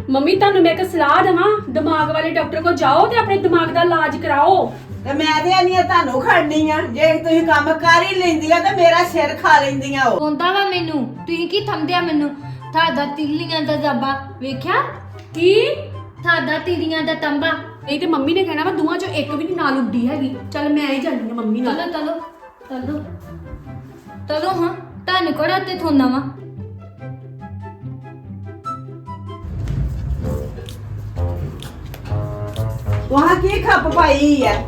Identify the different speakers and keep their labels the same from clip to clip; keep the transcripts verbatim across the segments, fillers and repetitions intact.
Speaker 1: Mummy ਤੁਹਾਨੂੰ ਮੈਂ ਇੱਕ ਸਲਾਹ ਦੇਵਾਂ, ਦਿਮਾਗ ਵਾਲੇ ਡਾਕਟਰ ਕੋਲ ਜਾਓ ਤੇ ਆਪਣੇ ਦਿਮਾਗ ਦਾ ਇਲਾਜ ਕਰਾਓ।
Speaker 2: ਤੇ ਮੈਂ ਤੇ ਆਨੀ ਆ ਤੁਹਾਨੂੰ ਖੜਨੀ ਆ, ਜੇ ਤੁਸੀਂ ਕੰਮ ਕਰ ਹੀ ਲੈਂਦੀਆਂ ਤੇ ਮੇਰਾ ਸਿਰ ਖਾ ਲੈਂਦੀਆਂ ਉਹ।
Speaker 3: ਹੁੰਦਾ ਵਾ ਮੈਨੂੰ, ਤੁਸੀਂ ਕੀ ਥੰਮਦਿਆ ਮੈਨੂੰ? ਤੁਹਾਡਾ ਤਿੱਲੀਆਂ ਦਾ ਜ਼ਬਾ ਵੇਖਿਆ?
Speaker 1: ਕੀ
Speaker 3: ਤੁਹਾਡਾ ਤਿੱਲੀਆਂ ਦਾ ਤੰਬਾ।
Speaker 1: ਨਹੀਂ ਤੇ ਮੰਮੀ ਨੇ ਕਹਿਣਾ ਵਾ ਦੋਵਾਂ ਚੋਂ ਇੱਕ ਵੀ ਨਹੀਂ ਨਾਲ ਉੱਡੀ ਹੈਗੀ। ਚੱਲ ਮੈਂ ਹੀ ਜਾਂਦੀ ਆ ਮੰਮੀ ਨਾਲ।
Speaker 3: ਚਲੋ ਚਲੋ ਚਲੋ ਚਲੋ ਹਾਂ, ਤੁਹਾਨੂੰ ਕੋੜਾ ਤੇ ਥੋਨਾ ਵਾ।
Speaker 2: ਤੁਹਾਂ ਕੀ ਖੱਪ ਪਾਈ ਹੈ?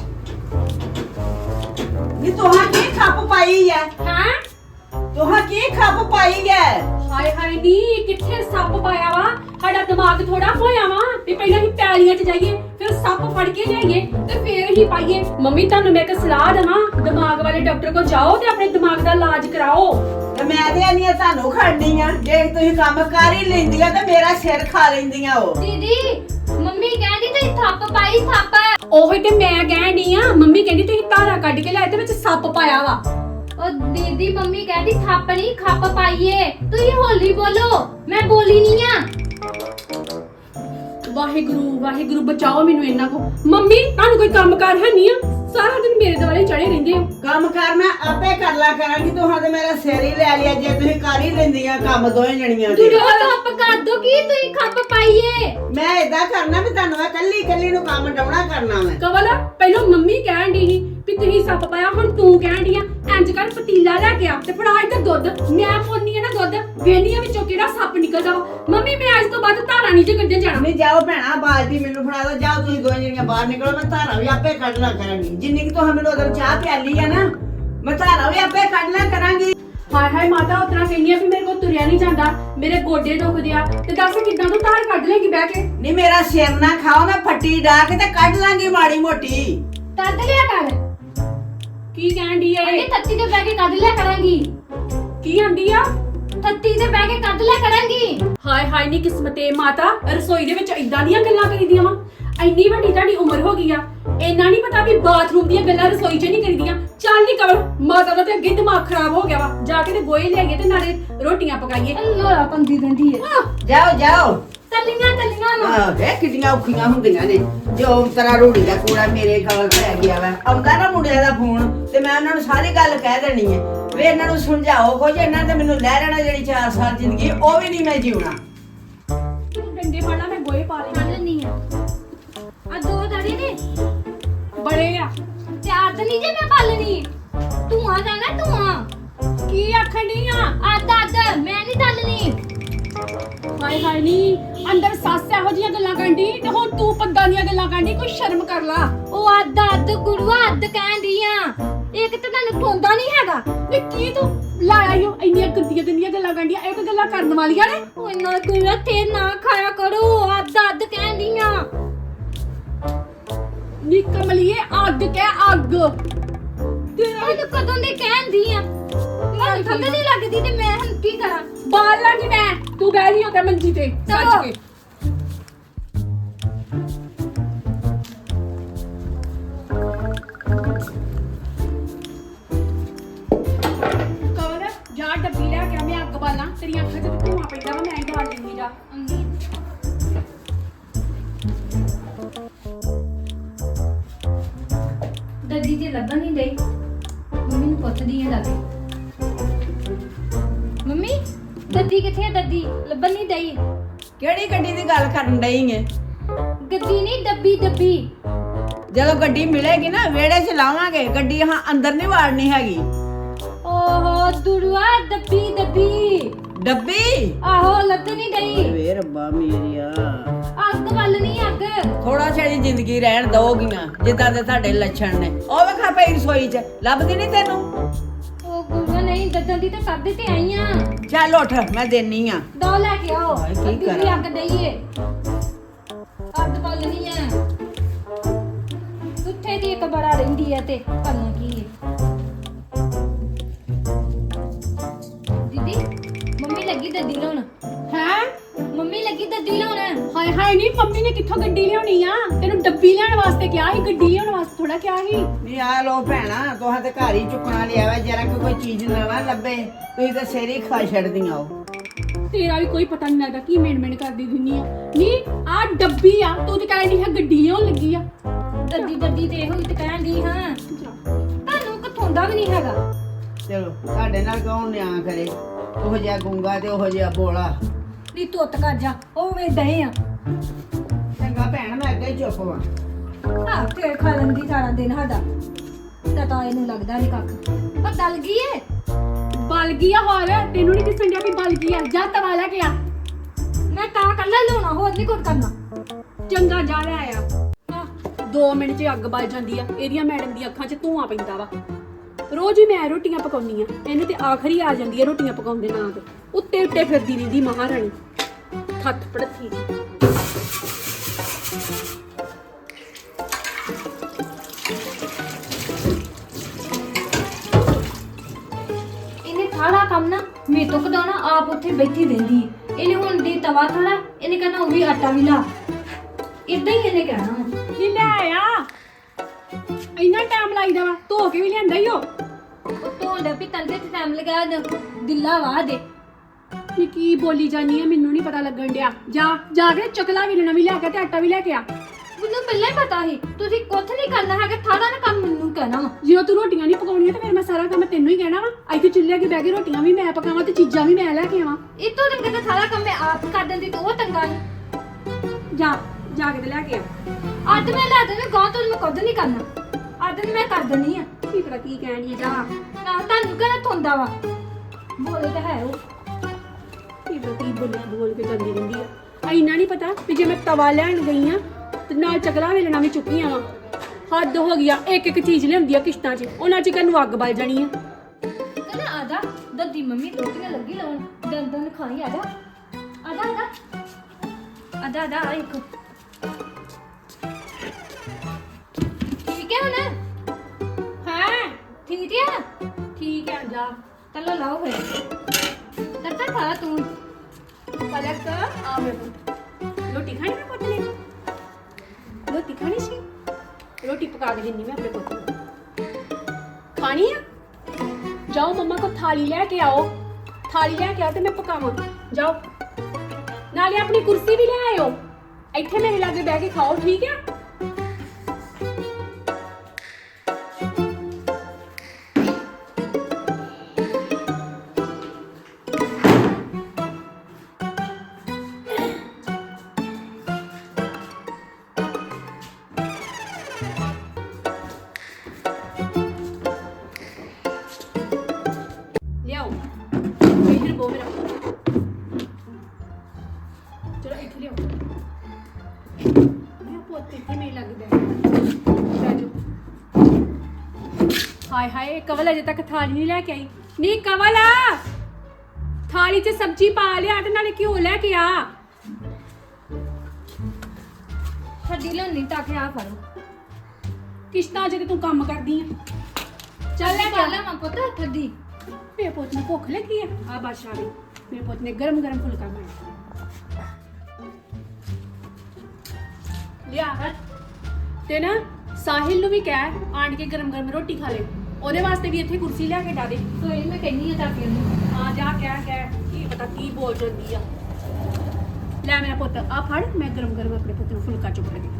Speaker 2: ਨੀ ਤੁਹਾਂ ਕੀ ਖੱਪ ਪਾਈ ਹੈ?
Speaker 1: ਹੈਂ?
Speaker 2: ਤੁਹਾਂ ਕੀ ਖੱਪ ਪਾਈ ਹੈ?
Speaker 1: ਹਾਏ ਹਾਏ ਨੀ ਕਿੱਥੇ ਸੱਪ ਪਾਇਆ ਵਾ? ਸਾਡਾ ਦਿਮਾਗ ਥੋੜਾ ਹੋਇਆ ਵਾ ਵੀ ਪਹਿਲਾਂ ਹੀ ਪੈਲੀਆਂ 'ਚ ਜਾਈਏ, ਫਿਰ ਸੱਪ ਫੜ ਕੇ ਲਿਆਈਏ ਤੇ ਫਿਰ ਹੀ ਪਾਈਏ। ਮੰਮੀ ਤੁਹਾਨੂੰ ਮੈਂ ਇੱਕ ਸਲਾਹ ਦੇਵਾਂ, ਦਿਮਾਗ ਵਾਲੇ ਡਾਕਟਰ ਕੋਲ ਜਾਓ ਤੇ ਆਪਣੇ ਦਿਮਾਗ ਦਾ ਇਲਾਜ ਕਰਾਓ।
Speaker 2: ਤੇ ਮੈਂ ਤੇ ਆਨੀ ਆ ਤੁਹਾਨੂੰ ਖੜਨੀ ਆ, ਜੇ ਤੁਸੀਂ ਕੰਮ ਕਰ ਹੀ ਲੈਂਦੀਆਂ ਤੇ ਮੇਰਾ ਸਿਰ ਖਾ ਲੈਂਦੀਆਂ ਉਹ।
Speaker 3: ਦੀਦੀ ਮੰਮੀ ਕਹਿੰਦੀ ਤੁਸੀਂ ਥੱਪ ਪਾਈ ਥੱਪ।
Speaker 1: ਉਹੀ ਤੇ ਮੈਂ ਕਹਿਣ ਡਈ ਆ, ਮੰਮੀ ਕਹਿੰਦੀ ਤੁਸੀਂ ਧਾਰਾ ਕੱਢ ਕੇ ਲਿਆਏ ਤੇ ਵਿੱਚ ਸੱਪ ਪਾਇਆ ਵਾ।
Speaker 3: ਉਹ ਦੀਦੀ ਮੰਮੀ ਕਹਿੰਦੀ ਥੱਪ ਨਹੀਂ ਖੱਪ ਪਾਈਏ। ਤੁਸੀਂ ਹੌਲੀ ਬੋਲੋ, ਮੈਂ ਬੋਲੀ ਨਹੀਂ ਆ।
Speaker 1: ਵਾਹਿਗੁਰੂ ਵਾਹਿਗੁਰੂ ਬਚਾਓ ਮੈਨੂੰ ਇਹਨਾਂ ਕੋ। ਮੰਮੀ ਤੁਹਾਨੂੰ ਕੋਈ ਕੰਮ ਕਾਰ ਹੈ ਨਹੀਂ ਆ? ਸਾਰਾ ਦਿਨ ਮੇਰੇ ਦੁਆਲੇ ਚੜੇ ਰਹਿੰਦੇ ਹੋ।
Speaker 2: ਕੰਮ ਕਰ ਮੈਂ ਆਪੇ ਕਰ ਲਾ ਕਰਾਂਗੀ, ਤੁਹਾਂ ਤੇ ਮੇਰਾ ਸਿਰ ਹੀ ਲੈ ਲਿਆ ਜੇ ਤੁਸੀਂ ਕਰ ਹੀ ਲੈਂਦੀਆਂ ਕੰਮ ਦੋਵੇਂ ਜਣੀਆਂ
Speaker 3: ਤੂੰ
Speaker 2: ਦੇ।
Speaker 3: ਖੱਪ ਕਰ ਦੋ ਕੀ ਤੁਸੀਂ ਖੱਪ ਪਾਈਏ।
Speaker 2: ਮੈਂ ਏਦਾਂ ਕਰਨਾ ਵੀ ਤੁਹਾਨੂੰ ਮੈਂ ਕੱਲੀ ਕੱਲੀ ਨੂੰ ਕੰਮ ਡਾਉਣਾ ਕਰਨਾ ਮੈਂ।
Speaker 1: ਕਵਲ ਪਹਿਲਾਂ ਮੰਮੀ ਕਹਿਣ ਡਈ ਸੀ ਵੀ ਤੁਸੀਂ ਸੱਪ ਪਾਇਆ, ਹੁਣ ਤੂੰ ਕਹਿਣ ਡਈ ਆ ਇੰਜ ਕਰ ਪਤੀਲਾ ਲੈ ਕੇ ਆ ਤੇ ਫੜਾ ਇੱਧਰ ਦੁੱਧ। ਮੈਂ ਪੋਨੀ ਆ ਨਾ ਦੁੱਧ, ਵੇਹਨੀਆਂ ਵਿੱਚੋਂ ਕਿਹੜਾ ਸੱਪ ਨਿਕਲਦਾ ਵਾ। ਮੰਮੀ ਮੈਂ ਅੱਜ ਤੋਂ ਬਾਅਦ ਧਾਰਾ ਨਹੀਂ ਜੇ ਕੱਢਣ ਜਾਣਾ।
Speaker 2: ਨਹੀਂ ਜਾਓ ਭੈਣਾ, ਬਾਲਟੀ ਮੈਨੂੰ ਫੜਾ ਦਿਓ, ਜਾਓ ਤੁਸੀਂ ਦੋਵੇਂ ਜਣੀਆਂ ਬਾਹਰ ਨਿਕਲੋ, ਮੈਂ ਧਾਰਾ ਵੀ ਆਪੇ ਕੱਢ ਲਾ ਕਰਾਂਗੀ। ਜਿੰਨੀ ਕਿ ਤੁਹਾਨੂੰ ਮੈਨੂੰ ਉਧਰ ਚਾਹ ਪਿਆਲੀ ਆ ਨਾ, ਮੈਂ ਧਾਰਾ ਵੀ ਆਪੇ ਕੱਢ ਲਾ ਕਰਾਂਗੀ।
Speaker 1: ਹਾਏ ਹਾਏ ਮਾਤਾ ਉਤਰਾ ਕਹਿੰਦੀ ਆ ਵੀ ਮੇਰੇ ਕੋਲ ਤੁਰਿਆ ਨਹੀਂ ਜਾਂਦਾ, ਮੇਰੇ ਗੋਡੇ ਦੁਖਦੇ ਆ, ਤੇ ਦੱਸ ਕਿੱਦਾਂ ਤੂੰ ਧਾਰ ਕੱਢ ਲੇਗੀ ਬਹਿ ਕੇ?
Speaker 2: ਨਹੀਂ ਮੇਰਾ ਸਿਰ ਨਾ ਖਾਓ, ਮੈਂ ਫੱਟੀ ਡਾ ਕੇ ਤੇ ਕੱਢ ਲਾਂਗੀ ਮਾੜੀ ਮੋਟੀ।
Speaker 3: ਕੱਢ ਲਿਆ ਕਰ।
Speaker 1: ਕੀ ਕਹਿਣ ਡਈ ਆ
Speaker 3: ਅੰਨੇ
Speaker 1: ਇਹ?
Speaker 3: ਥੱਤੀ ਤੇ ਬਹਿ ਕੇ ਕੱਢ ਲਿਆ ਕਰਾਂਗੀ।
Speaker 1: ਕੀ ਆਂਦੀ ਆ?
Speaker 3: ਥੱਤੀ ਤੇ ਬਹਿ ਕੇ ਕੱਢ ਲਿਆ ਕਰਾਂਗੀ।
Speaker 1: ਹਾਏ ਹਾਏ ਨੀ ਕਿਸਮਤੇ ਮਾਤਾ, ਰਸੋਈ ਦੇ ਵਿੱਚ ਇਦਾਂ ਦੀਆਂ ਗੱਲਾਂ ਕਰੀਦੀਆਂ ਵਾ। ਇੰਨੀ ਵੱਡੀ ਤੁਹਾਡੀ ਉਮਰ ਹੋ ਗਈ ਆ, ਇੰਨਾ ਨਹੀਂ ਪਤਾ ਵੀ ਬਾਥਰੂਮ ਦੀਆਂ ਗੱਲਾਂ ਰਸੋਈ 'ਚ ਨਹੀਂ ਕਰੀਦੀਆਂ। ਚੱਲ ਨੀ ਕਵਲ, ਮਾਤਾ ਦਾ ਤੇ ਅੱਗੇ ਦਿਮਾਗ ਖਰਾਬ ਹੋ ਗਿਆ ਵਾ। ਜਾ ਕੇ ਤੇ ਗੋਏ ਲਿਆਈਏ ਤੇ ਨਾਲੇ ਰੋਟੀਆਂ ਪਕਾਈਏ।
Speaker 3: ਅੱਲਾ ਪੰਦੀ ਦੰਦੀ ਹੈ।
Speaker 2: ਜਾਓ ਜਾਓ।
Speaker 3: ਚੱਲੀਆਂ ਚੱਲੀਆਂ ਨਾ।
Speaker 2: ਆਹ ਵੇ ਕਿੰਨੀਆਂ ਔਖੀਆਂ ਹੁੰਦੀਆਂ ਨੇ। ਜੋ ਤਰਾ ਰੋੜੀ ਦਾ ਕੂੜਾ ਮੇਰੇ ਗਲ ਪੈ ਗਿਆ ਵਾ, ਆਉਂਦਾ ਨਾ ਮੁੰਡਿਆਂ ਦਾ ਫੋਨ ਤੇ ਮੈਂ ਉਹਨਾਂ ਨੂੰ ਸਾਰੀ ਗੱਲ ਕਹਿ ਦੇਣੀ ਹੈ ਵੇ ਇਹਨਾਂ ਨੂੰ ਸਮਝਾਓ ਕੁਝ। ਇਹਨਾਂ ਨੇ ਮੈਨੂੰ ਲੈ ਲੈਣਾ ਜਿਹੜੀ ਚਾਰ ਸਾਲ ਜ਼ਿੰਦਗੀ, ਉਹ ਵੀ ਨਹੀਂ ਮੈਂ ਜਿਉਣਾ।
Speaker 1: ਡੰਡੇ ਫੜਨਾ ਮੈਂ ਗੋਏ ਪਾ ਲੈਣੇ।
Speaker 3: ਚੱਲ ਨਹੀਂ ਆ ਆ ਦੋ ਦੜੀ ਨੇ
Speaker 1: ਬੜੇ ਆ।
Speaker 3: ਚਾਰ ਤੇ ਨਹੀਂ ਜੇ ਮੈਂ ਪਾਲਣੀ। ਤੂੰ ਆ ਜਾਣਾ ਤੂੰ ਆ।
Speaker 1: ਕੀ ਆਖਣ ਡਈ ਆ?
Speaker 3: ਅੱਧ ਅੱਧ ਮੈਂ ਨਹੀਂ ਦੱਲਣੀ।
Speaker 1: ਹਾਏ ਹਾਏ ਨੀ ਅੰਦਰ ਸੱਸ ਇਹੋ ਜੀਆਂ ਗੱਲਾਂ ਕਰਦੀ ਤੇ ਹੁਣ ਤੂੰ ਪੱਗਾਂ ਦੀਆਂ ਗੱਲਾਂ ਕਰਦੀ। ਕੋਈ ਸ਼ਰਮ ਕਰ ਲਾ।
Speaker 3: ਉਹ ਅੱਧ ਅੱਧ ਗੁਰੂਆ ਅੱਧ ਕਹਿੰਦੀ ਆ। ਇੱਕ ਤਾਂ ਤੈਨੂੰ ਠੋਂਦਾ ਨਹੀਂ ਹੈਗਾ।
Speaker 1: ਵੇ ਕੀ ਤੂੰ ਲਾਇਆ ਈਓ ਇੰਨੀਆਂ ਗੰਦੀਆਂ ਗੰਦੀਆਂ ਗੱਲਾਂ ਕਰਦੀਆਂ? ਇਹ ਕੋਈ ਗੱਲਾਂ ਕਰਨ ਵਾਲੀਆਂ ਨੇ?
Speaker 3: ਉਹ ਨਾ ਕੋਈ ਤੇ ਨਾ ਖਾਇਆ ਕਰੋ। ਅੱਧ ਅੱਧ ਕਹਿੰਦੀ ਆ।
Speaker 1: ਨੀ ਕਮਲੀਏ ਅੱਗ ਕਹਿ ਅੱਗ। ਤੇਰਾ
Speaker 3: ਤੈਨੂੰ ਕਦੋਂ ਦੀ ਕਹਿੰਦੀ ਆ। ਮੈਨੂੰ ਠੰਡ ਨਹੀਂ ਲੱਗਦੀ ਤੇ ਮੈਂ ਹੁਣ ਕੀ ਕਰਾਂ?
Speaker 1: ਬਾਲ ਲਾਂਗੀ ਮੈਂ। ਤੂੰ ਬਹਿ ਰਹੀ ਹੋ ਤੇ ਮੰਜੀ ਤੇ ਸੱਜ ਕੇ। ਕਵਲ ਜਾ ਡੱਬੀ ਲੈ ਕੇ ਆ, ਮੈਂ ਅੱਗ ਬਾਲਾਂ। ਤੇਰੀਆਂ ਅੱਖਾਂ 'ਚ ਤੇ ਧੂਆਂ ਪੈਂਦਾ ਵਾ, ਮੈਂ ਹੀ ਬਾਲ ਲੈਂਦੀ ਜਾ।
Speaker 3: ਦੱਦੀ ਤੇ ਲੱਭਣ ਨਹੀਂ ਡਈ। ਮੰਮੀ ਨੂੰ ਪੁੱਛਦੀ ਆ ਲੱਗੇ। ਮੰਮੀ ਦੱਦੀ ਕਿੱਥੇ ਆ? ਦੱਦੀ ਲੱਭਣ ਨਹੀਂ ਡਈ।
Speaker 2: ਕਿਹੜੀ ਗੱਡੀ ਦੀ ਗੱਲ ਕਰਨ ਡਈ ਏ?
Speaker 3: ਗੱਡੀ ਨਹੀਂ ਡੱਬੀ ਡੱਬੀ।
Speaker 2: ਜਦੋਂ ਗੱਡੀ ਮਿਲੇਗੀ ਨਾ ਵਿਹੜੇ 'ਚ ਲਾਵਾਂਗੇ ਗੱਡੀ, ਹਾਂ ਅੰਦਰ ਨਹੀਂ ਵਾੜਨੀ ਹੈਗੀ।
Speaker 3: ਓਹੋ ਦੁਰਵਾ ਦੱਬੀ ਦੱਬੀ।
Speaker 2: ਡੱਬੀ
Speaker 3: ਆਹੋ ਲੱਭ ਨਹੀਂ ਡਈ।
Speaker 2: ਵੇ ਰੱਬਾ ਮੇਰਿਆ,
Speaker 3: ਅੱਗ ਵੱਲ ਨਹੀਂ ਅੱਗ।
Speaker 2: ਥੋੜਾ ਛੇੜੀ ਜ਼ਿੰਦਗੀ ਰਹਿਣ ਦਓਗੀਆਂ ਜਿੱਦਾਂ ਦੇ ਤੁਹਾਡੇ ਲੱਛਣ ਨੇ। ਉਹ ਵੇਖਾ ਪਈ ਰਸੋਈ 'ਚ, ਲੱਭਦੀ ਨਹੀਂ ਤੈਨੂੰ?
Speaker 3: ਉਹ ਗੁਰੂਆ ਨਹੀਂ ਦੱਦਾਂ ਦੀ ਤਾਂ ਕਰਦੇ ਤੇ ਆਈ ਆ।
Speaker 2: ਚੱਲ ਉੱਠ ਮੈਂ ਦੇਣੀ ਆ।
Speaker 3: ਦੋ ਲੈ ਕੇ ਆਓ।
Speaker 2: ਹਾਏ, ਕੀ
Speaker 3: ਅੱਧੀ ਵੀ
Speaker 2: ਕਰਾਂ?
Speaker 3: ਅੱਗ ਦਈਏ। ਅੱਗ ਵੱਲ ਨਹੀਂ ਆ। ਉੱਥੇ ਦੀ ਇੱਕ ਬੜਾ ਰਹਿੰਦੀ ਆ ਤੇ ਕਰਨਾ ਕੀ ਹੈ। ਦੀਦੀ ਮੰਮੀ ਲੱਗੀ ਦੱਦੀ ਲਾਉਣ।
Speaker 1: ਹੈ
Speaker 3: ਮੰਮੀ ਲੱਗੀ ਦੱਦੀ ਲਾਉਣ।
Speaker 1: ਹਾਏ ਹਾਏ ਨੀ ਮੰਮੀ ਨੇ ਕਿੱਥੋਂ ਗੱਡੀ ਲਿਆਉਣੀ ਆ? ਤੈਨੂੰ ਡੱਬੀ ਲੈਣ ਵਾਸਤੇ ਕਿਹਾ ਸੀ, ਗੱਡੀ ਲਿਆਉਣ ਵਾਸਤੇ ਥੋੜਾ ਕਿਹਾ ਸੀ।
Speaker 2: ਨਹੀਂ ਆ ਲੋ ਭੈਣਾ, ਤੁਹਾਂ ਤੇ ਘਰ ਹੀ ਚੁੱਕਣਾ ਲਿਆ ਵਾ। ਜਰਾ ਕੋਈ ਚੀਜ਼ ਨਾ ਲੱਭੇ ਤੁਸੀਂ ਤਾਂ ਸਿਰ ਹੀ ਖਾ ਛੱਡਦੀਆਂ ਹੋ।
Speaker 1: ਤੇਰਾ ਵੀ ਕੋਈ ਪਤਾ ਨਹੀਂ ਲੱਗਦਾ ਕੀ ਮੇਨ ਮੇਨ ਕਰਦੀ ਦਿੰਨੀ ਆ ਨਹੀਂ ਆ ਡੱਬੀ ਆ ਤੂੰ ਤੇ ਕਹਿੰਦੀ ਹੈ ਗੱਡੀ ਲਿਆਉਣ ਲੱਗੀ ਆ
Speaker 3: ਦੱਦੀ ਦੱਦੀ ਤੇ ਇਹੋ ਹੀ ਤੇ ਕਹਿਣ ਦੀ ਹਾਂ ਤੁਹਾਨੂੰ ਕਿਥੋਂ ਦਾ ਵੀ ਨਹੀਂ ਹੈਗਾ
Speaker 2: ਚਲੋ ਤੁਹਾਡੇ ਨਾਲ ਕੌਣ ਨਿਆਂ ਕਰੇ ਉਹ ਜਿਹਾ ਗੁੰਗਾ ਤੇ ਉਹ ਜਿਹਾ ਬੋਲਾ।
Speaker 3: ਨੀ ਤੁੱਤ ਕਰ ਜਾ ਉਹ ਵੇ ਦਏ ਆ
Speaker 2: ਚੰਗਾ ਭੈਣ ਮੈਂ ਅੱਗੇ ਹੀ ਚੁੱਪ ਵਾਂ।
Speaker 3: ਹਾਂ ਤੇ ਖਾ ਲੈਂਦੀ ਸਾਰਾ ਦਿਨ ਸਾਡਾ ਤਾਂ ਤਾਂ ਇਹਨੂੰ ਲੱਗਦਾ ਨਹੀਂ ਕੱਖ ਪਰ ਦਲ ਗਈ ਏ
Speaker 1: ਬਲ ਗਈ ਆ ਹੋਰ ਤੈਨੂੰ ਨਹੀਂ ਦਿਸਣ ਡਿਆ ਵੀ ਬਲ ਗਈ ਆ ਜਾ ਤਵਾ ਲੈ ਕੇ ਆ
Speaker 3: ਮੈਂ ਤਾਂ ਕੱਲਾ ਲਾਉਣਾ ਹੋਰ ਨਹੀਂ ਕੁਝ ਕਰਨਾ
Speaker 1: ਚੰਗਾ ਜਾ ਲੈ ਆਇਆ ਹਾਂ ਦੋ ਮਿੰਟ 'ਚ ਅੱਗ ਬਲ ਜਾਂਦੀ ਆ ਇਹਦੀਆਂ ਮੈਡਮ ਦੀ ਅੱਖਾਂ 'ਚ ਧੂਆਂ ਪੈਂਦਾ ਵਾ ਰੋਜ਼ ਹੀ ਮੈਂ ਰੋਟੀਆਂ ਪਕਾਉਣੀ ਆ ਇਹਨੂੰ ਤੇ ਆਖਰੀ ਆ ਜਾਂਦੀ ਆ ਰੋਟੀਆਂ ਪਕਾਉਣ ਦੇ ਨਾਂ ਤੇ ਉੱਤੇ ਉੱਤੇ ਫਿਰਦੀ ਰਹਿੰਦੀ ਮਹਾਰਾਣੀ ਹੱਥ ਪੜਥੀ
Speaker 3: ਇਹਨੇ ਸਾਰਾ ਕੰਮ ਨਾ ਮੇਰੇ ਤੋਂ ਕਢਾਉਣਾ ਆਪ ਉੱਥੇ ਬੈਠੀ ਰਹਿੰਦੀ ਏ। ਇਹਨੇ ਹੁਣ ਦੀ ਤਵਾ ਥੜਾ ਇਹਨੇ ਕਹਿਣਾ ਉਹ ਵੀ ਆਟਾ ਵੀ ਲਾ ਇਦਾਂ ਹੀ ਇਹਨੇ ਕਹਿਣਾ ਵਾ।
Speaker 1: ਨੀ ਲੈ ਆ ਇੰਨਾ ਟਾਈਮ ਲਾਈਦਾ ਵਾ ਧੋ ਕੇ ਵੀ ਲਿਆਂਦਾ ਈ ਉਹ
Speaker 3: ਉਹ ਧੋਂਦਾ ਵੀ ਤੰਦੇ ਤੇ ਟਾਈਮ ਲਗਾ ਦਿੱਲਾ ਵਾ ਦੇ
Speaker 1: ਨੀ ਕੀ ਬੋਲੀ ਜਾਨੀ ਆ ਮੈਨੂੰ ਨਹੀਂ ਪਤਾ ਲੱਗਣ ਡਿਆ ਜਾ ਜਾ ਕੇ ਚਕਲਾ ਵੀ ਲੈਣਾ ਵੀ ਲੈ ਕੇ ਤੇ ਆਟਾ ਵੀ ਲੈ ਕੇ ਆ
Speaker 3: ਮੈਨੂੰ ਪਹਿਲਾਂ ਹੀ ਪਤਾ ਸੀ ਤੁਸੀਂ ਕੁਝ ਨਹੀਂ ਕਰਨਾ ਹੈਗਾ ਸਾਰਾ ਨਾ ਕੰਮ ਮੈਨੂੰ ਕਹਿਣਾ ਵਾ
Speaker 1: ਜਦੋਂ ਤੂੰ ਰੋਟੀਆਂ ਨਹੀਂ ਪਕਾਉਣੀਆਂ ਤੇ ਫਿਰ ਮੈਂ ਸਾਰਾ ਕੰਮ ਤੈਨੂੰ ਹੀ ਕਹਿਣਾ ਵਾ ਇੱਥੇ ਚੁੱਲ੍ਹੇ ਅੱਗੇ ਬਹਿ ਕੇ ਰੋਟੀਆਂ ਵੀ ਮੈਂ ਪਕਾਵਾਂ ਤੇ ਚੀਜ਼ਾਂ ਵੀ ਮੈਂ ਲੈ ਕੇ ਆਵਾਂ
Speaker 3: ਇਤੋਂ ਤੰਗੇ ਤਾਂ ਸਾਰਾ ਕੰਮ ਮੈਂ ਆਪ ਕਰ ਦਿੰਦੀ ਤੂੰ ਉਹ ਤੰਗਾ ਨਹੀਂ
Speaker 1: ਜਾ ਜਾ ਕੇ ਤੇ ਲੈ ਕੇ ਆ
Speaker 3: ਅੱਜ ਮੈਂ ਲਾ ਦੇਣਾ ਗਾਂ ਤੋਂ ਮੈਂ ਕੁਝ ਨਹੀਂ ਕਰਨਾ ਅੱਜ ਮੈਂ ਕਰ ਦਿੰਦੀ ਆ
Speaker 1: ਕੀ ਪਤਾ ਕੀ ਕਹਿਣੀ ਆ ਜਾ
Speaker 3: ਨਾ ਤੁਹਾਨੂੰ ਕਹਿਣਾ ਥੁੰਦਾ ਵਾ ਬੋਲੇ ਤਾਂ ਹੈ ਉਹ
Speaker 1: ਕੀ ਪਤਾ ਕੀ ਬੋਲੀ ਬੋਲ ਕੇ ਜਾਂਦੀ ਰਹਿੰਦੀ ਆ ਇੰਨਾ ਨਹੀਂ ਪਤਾ ਵੀ ਜੇ ਮੈਂ ਤਵਾ ਲੈਣ ਗਈ ਆ ਤੇ ਨਾਲ ਚਕਲਾ ਵੇਲਣਾ ਵੀ ਚੁੱਕੀਆਂ ਵਾ ਹੱਦ ਹੋ ਗਿਆ ਇੱਕ ਇੱਕ ਚੀਜ਼ ਲਿਆਉਂਦੀ ਆ ਕਿਸ਼ਤਾਂ 'ਚ ਉਹਨਾਂ 'ਚ ਨੂੰ ਅੱਗ ਬਲ ਜਾਣੀ ਆ
Speaker 3: ਕਹਿੰਦਾ ਆਦਾ ਦੱਦੀ ਮੰਮੀ ਰੋਟੀਆਂ ਲੱਗੀ ਲਾਉਣ ਦੰਦ ਦੰਦ ਖਾਈ ਆਦਾ ਆਦਾ ਆਦਾ ਆਦਾ ਆਦਾ ਆ ਇੱਕ ਠੀਕ ਹੈ ਹੁਣ
Speaker 1: ਹੈ
Speaker 3: ਠੀਕ ਹੈ
Speaker 1: ਠੀਕ ਹੈ ਜਾ
Speaker 3: ਚਲੋ ਲਾਓ ਫਿਰ ਲੱਤਾ ਖਾ ਤੂੰ
Speaker 1: ਪਲਕ ਆ ਮੇਰੇ ਪੁੱਤ ਰੋਟੀ ਖਾਣੀ ਮੈਂ ਪੁੱਤ ਨੇ ਰੋਟੀ ਖਾਣੀ ਸੀ ਰੋਟੀ ਪਕਾ ਕੇ ਦਿੰਨੀ ਮੈਂ ਆਪਣੇ ਪੁੱਤ ਨੂੰ ਖਾਣੀ ਆ ਜਾਓ ਮੰਮਾ ਕੋ ਥਾਲੀ ਲੈ ਕੇ ਆਓ ਥਾਲੀ ਲੈ ਕੇ ਆਓ ਤੇ ਮੈਂ ਪਕਾਵਾਂ ਜਾਓ ਨਾਲੇ ਆਪਣੀ ਕੁਰਸੀ ਵੀ ਲੈ ਆਇਓ ਇੱਥੇ ਮੇਰੇ ਲਾਗੇ ਬਹਿ ਕੇ ਖਾਓ ਠੀਕ ਹੈ ਲਿਆਓ ਇੱਧਰ ਬੋ ਮੇਰਾ ਚਲੋ ਇੱਥੇ ਲਿਆਓ ਮੈਂ ਪੁੱਤ ਇੱਥੇ ਮੇਰੇ ਲੱਗ ਬੈ ਜਾਓ ਹਾਏ ਹਾਏ ਕਵਲ ਅਜੇ ਤੱਕ ਥਾਲੀ ਨਹੀਂ ਲੈ ਕੇ ਆਈ ਨਹੀਂ ਕਵਲ ਥਾਲੀ 'ਚ ਸਬਜ਼ੀ ਪਾ ਲਿਆ ਤੇ ਨਾਲੇ ਘਿਓ ਲੈ ਕੇ ਆ
Speaker 3: ਛੱਡੀ ਲੈਣੀ ਤਾਂ ਕਿ ਆ ਫੜੋ
Speaker 1: ਕਿਸ਼ਤਾਂ 'ਚ ਤੇ ਤੂੰ ਕੰਮ ਕਰਦੀ ਆ ਚੱਲ ਲੈ
Speaker 3: ਚੱਲ ਮੈਂ ਪੁੱਤ ਥੱਦੀ
Speaker 1: ਮੇਰੇ ਪੁੱਤ ਨੂੰ ਭੁੱਖ ਲੱਗੀ ਆ ਆ ਬਾਦਸ਼ਾਹ ਨੇ ਮੇਰੇ ਪੁੱਤ ਨੇ ਗਰਮ ਗਰਮ ਫੁਲਕਾ ਬਣਾਇਆ ਲਿਆ ਹਟ ਤੇ ਨਾ ਸਾਹਿਲ ਨੂੰ ਵੀ ਕਹਿ ਆਣ ਕੇ ਗਰਮ ਗਰਮ ਰੋਟੀ ਖਾ ਲੈ ਉਹਦੇ ਵਾਸਤੇ ਵੀ ਇੱਥੇ ਕੁਰਸੀ ਲਿਆ ਕੇ ਡਾ ਦੇ
Speaker 3: ਕੋਈ ਮੈਂ ਕਹਿੰਨੀ ਆ ਤਾਂ ਫਿਰ
Speaker 1: ਹਾਂ ਜਾ ਕਹਿ ਕਹਿ ਕੀ ਪਤਾ ਕੀ ਬੋਲ ਜਾਂਦੀ ਆ ਲੈ ਮੇਰਾ ਪੁੱਤ ਆ ਫੜ ਮੈਂ ਗਰਮ ਗਰਮ ਆਪਣੇ ਪੁੱਤ ਨੂੰ ਫੁਲਕਾ ਚੁੱਕ ਕੇ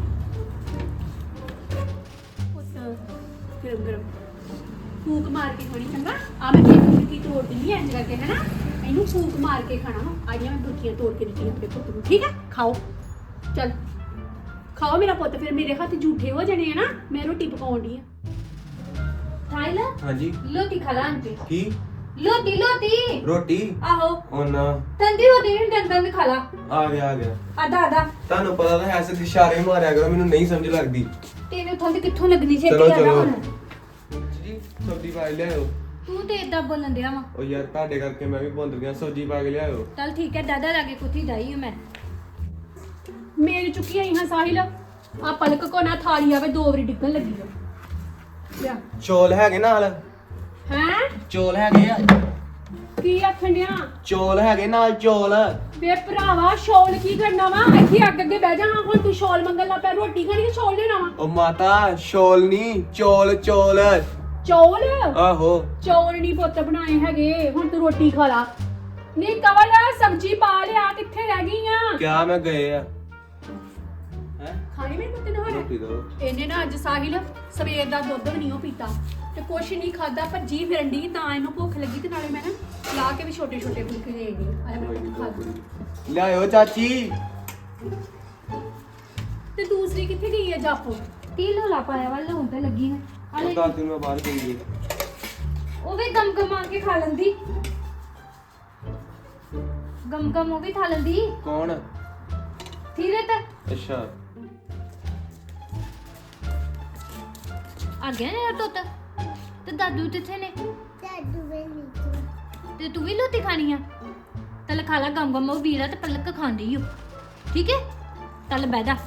Speaker 1: ਪੁੱਤ ਗਰਮ ਗਰਮ ਫੂਕ ਮਾਰ ਕੇ ਖਾਣੀ ਚੰਗਾ ਆ ਮੈਂ ਇੱਕ ਬੁਰਕੀ ਤੋੜ ਦਿੰਦੀ ਐ ਇੰਜ ਕਰਕੇ ਹੈ ਨਾ ਇਹਨੂੰ ਫੂਕ ਮਾਰ ਕੇ ਖਾਣਾ ਵਾ ਆਈਆਂ ਮੈਂ ਬੁਰਕੀਆਂ ਤੋੜ ਕੇ ਦਿੱਤੀਆਂ ਆਪਣੇ ਪੁੱਤ ਨੂੰ ਠੀਕ ਹੈ ਖਾਓ ਚੱਲ ਖਾਓ ਮੇਰਾ ਪੁੱਤ ਫਿਰ ਮੇਰੇ ਹੱਥ ਝੂਠੇ ਹੋ ਜਾਣੇ ਆ ਨਾ ਮੈਂ ਰੋਟੀ ਪਕਾਉਣ ਦੀ ਆ
Speaker 3: ਥਾਈਲਾ
Speaker 4: ਹਾਂਜੀ
Speaker 3: ਲੋਟੀ ਖਲਾ ਆਂਟੀ
Speaker 4: ਕੀ
Speaker 3: ਲੋਟੀ ਲੋਟੀ
Speaker 4: ਰੋਟੀ
Speaker 3: ਆਹੋ
Speaker 4: ਉਹ ਨਾ
Speaker 3: ਤੰਦੀ ਹੋਦੀ ਨਹੀਂ ਦੰਦ ਦੰਦ ਖਲਾ
Speaker 4: ਆ ਗਿਆ ਆ ਗਿਆ
Speaker 3: ਆਦਾ ਆਦਾ
Speaker 4: ਤੁਹਾਨੂੰ ਪਤਾ ਤਾਂ ਐਸੇ ਇਸ਼ਾਰੇ ਮਾਰਿਆ ਕਰੋ ਮੈਨੂੰ ਨਹੀਂ ਸਮਝ ਲੱਗਦੀ
Speaker 3: ਤੈਨੂੰ ਥੰਦੀ ਕਿੱਥੋਂ ਲੱਗਣੀ ਛੇਤੀ
Speaker 4: ਚਲੋ,
Speaker 3: ਆਦਾ
Speaker 4: ਚਲੋ।
Speaker 3: ਹੁਣ
Speaker 4: ਜੀ ਸਬਜ਼ੀ ਪਾ ਕੇ ਲਿਆਓ
Speaker 3: ਤੂੰ ਤੇ ਇਦਾਂ ਬੋਲਣ ਦਿਆ ਵਾ
Speaker 4: ਉਹ ਯਾਰ ਤੁਹਾਡੇ ਕਰਕੇ ਮੈਂ ਵੀ ਭੁੰਦ ਗਿਆ ਸਬਜ਼ੀ ਪਾ ਕੇ ਲਿਆਓ
Speaker 3: ਚੱਲ ਠੀਕ ਹੈ ਦਾਦਾ ਲਾਗੇ ਕੁੱਤੀ ਜਾਈ ਮੈਂ
Speaker 1: ਮੇਰੀ ਚੁੱਕੀ ਆਈ ਹਾਂ ਸਾਹਿਲ ਆ ਪਲਕ ਕੋ ਨਾ ਥਾਲੀ ਆਵੇ ਦੋ ਵਾਰੀ ਡਿੱਗਣ ਲੱਗੀ ਆ ਲਿਆ
Speaker 4: ਚੌਲ ਹੈਗੇ ਨਾਲ
Speaker 1: ਹੈ
Speaker 4: ਚੌਲ ਹੈਗੇ ਆ
Speaker 1: ਕੀ ਆਖਣ ਡਿਆ
Speaker 4: ਚੌਲ ਹੈਗੇ ਨਾਲ ਚੌਲ
Speaker 1: ਵੇ ਭਰਾਵਾ ਸ਼ੌਲ ਕੀ ਕਰਨਾ ਵਾ ਇੱਥੇ ਅੱਗ ਅੱਗੇ ਬਹਿ ਜਾ ਹਾਂ ਹੁਣ ਤੂੰ ਸ਼ੌਲ ਮੰਗਣ ਲੱਗ ਪਿਆ ਰੋਟੀ ਖਾਣੀ ਤੇ ਸ਼ੌਲ ਲੈਣਾ ਵਾ
Speaker 4: ਉਹ ਮਾਤਾ ਸ਼ੌਲ ਨਹੀਂ ਚੌਲ ਚੌਲ
Speaker 1: ਚੌਲ
Speaker 4: ਆਹੋ
Speaker 1: ਚੌਲ ਨਹੀਂ ਪੁੱਤ ਬਣਾਏ ਹੈਗੇ ਹੁਣ ਤੂੰ ਰੋਟੀ ਖਾ ਲਾ ਨੀ ਕਵਲ ਸਬਜੀ ਪਾ ਲਿਆ, ਕਿੱਥੇ ਰਹਿ ਗਈ ਆ?
Speaker 4: ਕਿਆ ਮੈਂ ਗਏ ਆ ਹੈ
Speaker 1: ਖਾਣੀ ਮੇਰੇ ਪੁੱਤ ਨੇ ਹੁਣ
Speaker 4: ਰੋਟੀ ਦੋ
Speaker 1: ਇਹਨੇ ਨਾ ਅੱਜ ਸਾਹਿਲ ਸਵੇਰ ਦਾ ਦੁੱਧ ਵੀ ਨਹੀਂ ਉਹ ਪੀਤਾ ਤੇ ਕੁਛ ਨਹੀਂ ਖਾਦਾ, ਭੱਜੀ ਫਿਰਨ ਦੀ ਤਾਂ ਇਹਨੂੰ ਭੁੱਖ ਲੱਗੀ ਤੇ ਨਾਲੇ ਮੈਂ ਨਾ ਲਾ ਕੇ ਵੀ ਛੋਟੇ ਛੋਟੇ ਫੁਲਕੇ ਦੇ ਦੀ ਆਇਆ ਮੈਂ ਖਾ ਲਈ।
Speaker 4: ਲਿਆਇਓ ਚਾਚੀ।
Speaker 1: ਤੇ ਦੂਸਰੀ ਕਿੱਥੇ ਗਈ ਹੈ ਜਾਪੋ?
Speaker 3: ਤੀਲ ਹੋਲਾ ਪਾਇਆ ਵਾ ਲਾਉਣ ਤੇ ਲੱਗੀ ਹੈ
Speaker 4: ਉਹ
Speaker 3: ਹਲੇ
Speaker 4: ਦਾਦੀ ਨੂੰ ਮੈਂ ਬਾਹਰ ਗਈ ਜੀ।
Speaker 3: ਉਹ ਵੀ ਗਮ ਗਮ ਆ ਕੇ ਖਾ ਲੈਂਦੀ ਗਮ ਗਮ ਉਹ ਵੀ ਖਾ ਲੈਂਦੀ
Speaker 4: ਕੌਣ?
Speaker 3: ਥੀਰੇ ਤੇ
Speaker 4: ਅੱਛਾ
Speaker 3: ਆ ਗਿਆ ਨੇ ਤੋਤਾ ਤੇ ਦਾਦੂ ਕਿੱਥੇ ਨੇ?
Speaker 5: ਦਾਦੂ ਵੇਲੀ
Speaker 3: ਤੇ ਤੂੰ ਵੀ ਲੋਤੀ ਖਾਣੀ ਆ? ਤਲ ਖਾ ਲਾ ਗਮ ਗਮ ਉਹ ਵੀਰਾ ਤੇ ਪਲਕ ਖਾਂਦੀ ਓ ਠੀਕ ਹੈ ਤਲ ਬਹਿ ਜਾ।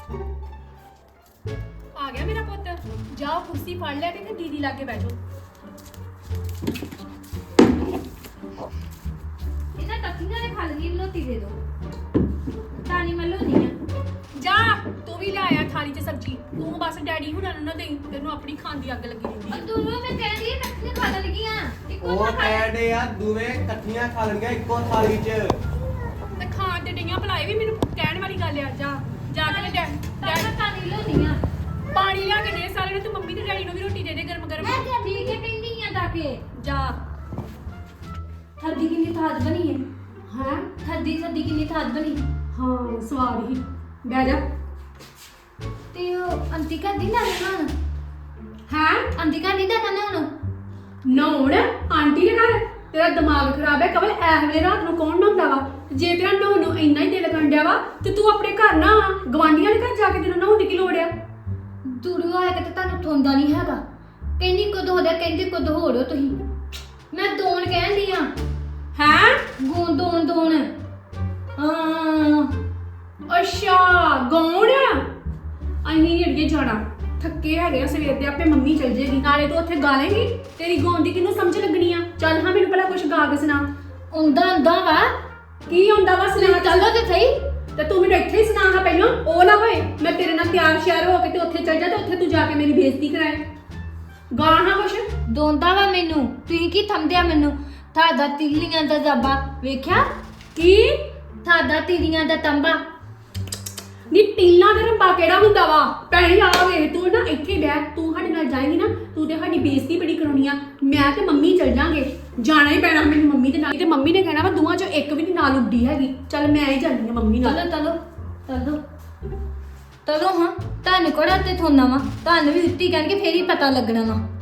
Speaker 1: ਆ ਗਿਆ ਮੇਰਾ ਪੁੱਤ, ਜਾਓ ਕੁਰਸੀ ਫੜ ਲੈ ਕੇ ਤੇ ਦੀਦੀ ਲਾਗੇ ਬੈਠੋ।
Speaker 3: ਇਹਨਾਂ ਟੱਕੀਆਂ ਨੇ ਖਾ ਲਈ ਲੋਤੀ ਦੇ ਦੋ ਤਾਨੀ ਮੱਲੋ ਨਹੀਂ ਆ।
Speaker 1: ਜਾ ਤੂੰ ਵੀ ਲਿਆਇਆ ਥਾਲੀ 'ਚ ਸਬਜੀ, ਤੂੰ ਬਸ ਡੈਡੀ ਹੁਣਾਂ ਨੂੰ ਨਾ ਦੇਈ, ਤੈਨੂੰ ਆਪਣੀ ਖਾਣ ਦੀ ਅੱਗ ਲੱਗੀ ਰਹਿੰਦੀ
Speaker 3: ਔਰ
Speaker 1: ਹੈ।
Speaker 3: ਤੂੰ ਮੈਂ ਕਹਿੰਦੀ ਆ ਟੱਕੀਆਂ ਖਾ ਲੱਗੀਆਂ ਇੱਕੋ
Speaker 4: ਉਹ
Speaker 3: ਥਾਂ ਖਾ
Speaker 4: ਕਹਿੰਦੇ ਆ ਦੋਵੇਂ ਇਕੱਠੀਆਂ ਖਾ ਲੈਣਗੀਆਂ ਇੱਕੋ ਥਾਲੀ 'ਚ।
Speaker 1: ਤੇ ਖਾਣ ਤੇ ਡਈਆਂ ਭਲਾਏ ਵੀ ਮੈਨੂੰ ਕਹਿਣ ਵਾਲੀ ਗੱਲ ਆ। ਜਾ ਜਾ ਕੇ ਡੈ
Speaker 3: ਤਾਨਾ ਤਾਨੀ ਲੋਨੀਆਂ
Speaker 1: ਪਾਣੀ ਲਿਆ ਕੇ ਦੇ ਸਾਰੇ ਨੂੰ, ਤੇ ਮੰਮੀ ਤੇ ਡੈਡੀ ਨੂੰ ਵੀ ਰੋਟੀ ਦੇ ਦੇ ਗਰਮ ਗਰਮ।
Speaker 3: ਠੀਕ ਹੈ ਕਹਿੰਦੀ ਆ ਜਾ ਕੇ
Speaker 1: ਜਾ
Speaker 3: ਥੱਦੀ ਕਿੰਨੀ ਥਾਦ ਬਣੀ ਹੈ
Speaker 1: ਹਾਂ
Speaker 3: ਥੱਦੀ ਥੱਦੀ ਕਿੰਨੀ ਥਾਦ ਬਣੀ
Speaker 1: ਹਾਂ ਸਵਾਦ ਹੀ। ਬਹਿ ਜਾ।
Speaker 3: ਤੇ ਉਹ ਅੰਤਿਕਾ ਦੀ ਨਾ ਨਾ
Speaker 1: ਹਾਂ
Speaker 3: ਅੰਤਿਕਾ ਦੀ ਦਾ ਨਾ ਹੁਣ
Speaker 1: ਨਹਾਉਣ ਆਂਟੀ ਦੇ ਘਰ? ਤੇਰਾ ਦਿਮਾਗ ਖਰਾਬ ਹੈ ਕਵਲ, ਐ ਵੇਲੇ ਰਾਤ ਨੂੰ ਕੌਣ ਨਹਾਉਂਦਾ ਵਾ? ਜੇ ਤੇਰਾ ਨਹਾਉਣ ਨੂੰ ਇੰਨਾ ਹੀ ਦਿਲ ਕੰਡਿਆ ਵਾ ਤੇ ਤੂੰ ਆਪਣੇ ਘਰ ਨਾ ਆ, ਗਵਾਂਢੀਆਂ ਦੇ ਘਰ ਜਾ ਕੇ ਤੈਨੂੰ ਨਹਾਉਣ ਦੀ ਕੀ ਲੋੜ ਆ?
Speaker 3: ਦੂਰੋਂ ਆਇਆ ਕਿ ਤੁਹਾਨੂੰ ਥੋਂਦਾ ਨਹੀਂ ਹੈਗਾ। ਕਹਿੰਦੀ ਕਦੋਂ ਹੋ ਜਾ ਕਹਿੰਦੀ ਕਦੋਂ ਹੋ ਰਹੋ ਤੁਸੀਂ। ਮੈਂ ਦੋਣ ਕਹਿੰਦੀ ਆ
Speaker 1: ਹੈਂ
Speaker 3: ਗੋਣ ਦੋਣ ਦੋਣ ਹਾਂ
Speaker 1: ਅੱਛਾ ਗੌਣ ਅਸੀਂ ਨਹੀਂ ਅੜੀਏ ਜਾਣਾ, ਥੱਕੇ ਹੈਗੇ ਆ ਸਵੇਰ ਦੇ, ਆਪੇ ਮੰਮੀ ਚਲ ਜੇਗੀ, ਨਾਲੇ ਤੂੰ ਉੱਥੇ ਗਾ ਲੇਂਗੀ। ਤੇਰੀ ਗਾਉਣ ਦੀ ਕਿਹਨੂੰ ਸਮਝ ਲੱਗਣੀ ਆ? ਚੱਲ ਹਾਂ ਮੈਨੂੰ ਪਹਿਲਾਂ ਕੁਝ ਗਾ ਕੇ ਸੁਣਾ।
Speaker 3: ਆਉਂਦਾ ਆਉਂਦਾ ਵਾ
Speaker 1: ਕੀ ਹੁੰਦਾ ਵਾ ਸੁਣਾ?
Speaker 3: ਚੱਲੋ ਤੇ ਸਹੀ
Speaker 1: ਤੇ ਤੂੰ ਮੈਨੂੰ ਇੱਥੇ ਹੀ ਸੁਣਾ ਹਾਂ ਪਹਿਲਾਂ, ਉਹ ਨਾ ਹੋਏ ਮੈਂ ਤੇਰੇ ਨਾਲ ਤਿਆਰ ਸ਼ਿਆਰ ਹੋ ਕੇ ਤੇ ਉੱਥੇ ਚੱਲ ਜਾ ਤੇ ਉੱਥੇ ਤੂੰ ਜਾ ਕੇ ਮੇਰੀ ਬੇਇੱਜ਼ਤੀ ਕਰਾਏ। ਗਾ ਹਾਂ ਕੁਛ।
Speaker 3: ਦੋਂਦਾ ਵਾ ਮੈਨੂੰ ਤੁਸੀਂ ਕੀ ਥੰਮਦਿਆ ਮੈਨੂੰ? ਤੁਹਾਡਾ ਤਿੱਲੀਆਂ ਦਾ ਜ਼ਬਾ ਵੇਖਿਆ?
Speaker 1: ਕੀ
Speaker 3: ਤੁਹਾਡਾ ਤਿੱਲੀਆਂ ਦਾ ਤੰਬਾ
Speaker 1: ਨੀ ਟੀਲਾਂ ਦਾ ਰੰਬਾ ਕਿਹੜਾ ਹੁੰਦਾ ਵਾ? ਭੈਣੇ ਆ ਵੇ ਤੂੰ ਨਾ ਇੱਥੇ ਬੈਠ, ਤੂੰ ਸਾਡੇ ਨਾਲ ਜਾਏਂਗੀ ਨਾ ਤੂੰ ਤੇ ਸਾਡੀ ਬੇਇੱਜ਼ਤੀ ਬੜੀ ਕਰਾਉਣੀ ਆ। ਮੈਂ ਤੇ ਮੰਮੀ ਚੱਲ ਜਾਾਂਗੇ, ਜਾਣਾ ਹੀ ਪੈਣਾ ਮੈਨੂੰ ਮੰਮੀ ਦੇ ਨਾਲ, ਤੇ ਮੰਮੀ ਨੇ ਕਹਿਣਾ ਵਾ ਦੋਵਾਂ ਚੋਂ ਇੱਕ ਵੀ ਨਹੀਂ ਨਾਲ ਉੱਡੀ ਹੈਗੀ। ਚੱਲ ਮੈਂ ਹੀ ਜਾਂਦੀ ਆ ਮੰਮੀ ਨਾਲ।
Speaker 3: ਚਲੋ ਚਲੋ ਚਲੋ ਚਲੋ ਹਾਂ ਤੁਹਾਨੂੰ ਕੋੜਾ ਤੇ ਥੋਨਾ ਵਾ ਤੁਹਾਨੂੰ ਵੀ ਉੱਤੀ ਕਰਕੇ ਫੇਰ ਹੀ ਪਤਾ ਲੱਗਣਾ ਵਾ।